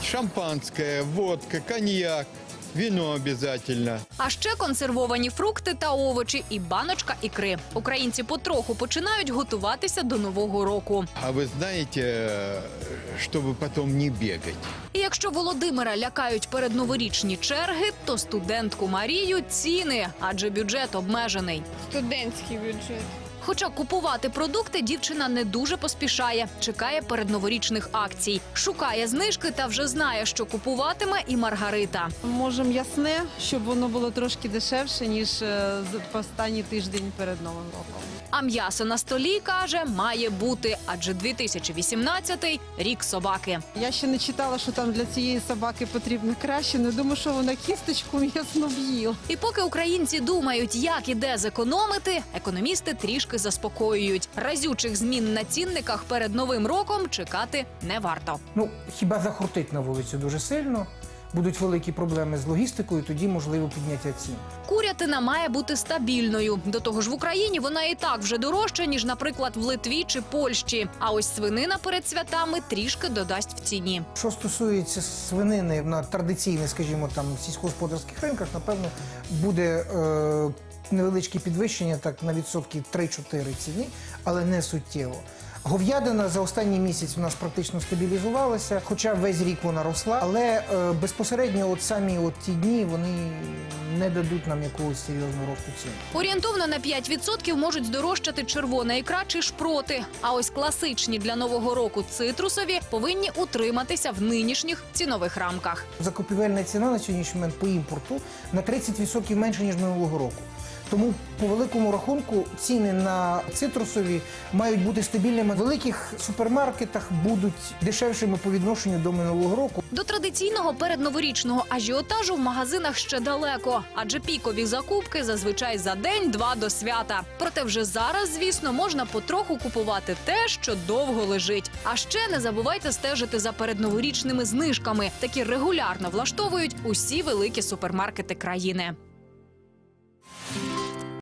Шампанское, водка, коньяк, вино обязательно. А ще консервовані фрукти та овочі і баночка ікри. Українці потроху починають готуватися до Нового року. А вы знаете, чтобы потом не бегать. І якщо Володимира лякають передноворічні черги, то студентку Марію – ціни, адже бюджет обмежений. Студентський бюджет. Хоча купувати продукти дівчина не дуже поспішає, чекає передноворічних акцій. Шукає знижки та вже знає, що купуватиме і Маргарита. Може, м'ясне, щоб воно було трошки дешевше, ніж в останній тиждень перед Новим роком. А м'ясо на столі, каже, має бути, адже 2018 – рік собаки. Я ще не читала, що там для цієї собаки потрібно краще, не думаю, що вона кісточку м'ясну в'їла. І поки українці думають, як і де зекономити, економісти трішки заспокоюють. Разючих змін на цінниках перед Новим роком чекати не варто. Ну, хіба захортить на вулицю дуже сильно, будуть великі проблеми з логістикою, тоді можливо підняття цін. Курятина має бути стабільною. До того ж в Україні вона і так вже дорожча, ніж, наприклад, в Литві чи Польщі. А ось свинина перед святами трішки додасть в ціні. Що стосується свинини на традиційних, скажімо, там сільськогосподарських ринках, напевно, буде невеличке підвищення так на відсотків 3-4 ціні, але не суттєво. Говядина за останній місяць у нас практично стабілізувалася, хоча весь рік вона росла, але безпосередньо самі ті дні вони не дадуть нам якогось серйозного росту цін. Орієнтовно на 5% можуть здорожчати червона ікра чи шпроти. А ось класичні для Нового року цитрусові повинні утриматися в нинішніх цінових рамках. Закупівельна ціна на сьогоднішній момент по імпорту на 30% менше, ніж минулого року. Тому, по великому рахунку, ціни на цитрусові мають бути стабільними. В великих супермаркетах будуть дешевшими по відношенню до минулого року. До традиційного передноворічного ажіотажу в магазинах ще далеко, адже пікові закупки зазвичай за день-два до свята. Проте вже зараз, звісно, можна потроху купувати те, що довго лежить. А ще не забувайте стежити за передноворічними знижками. Такі регулярно влаштовують усі великі супермаркети країни.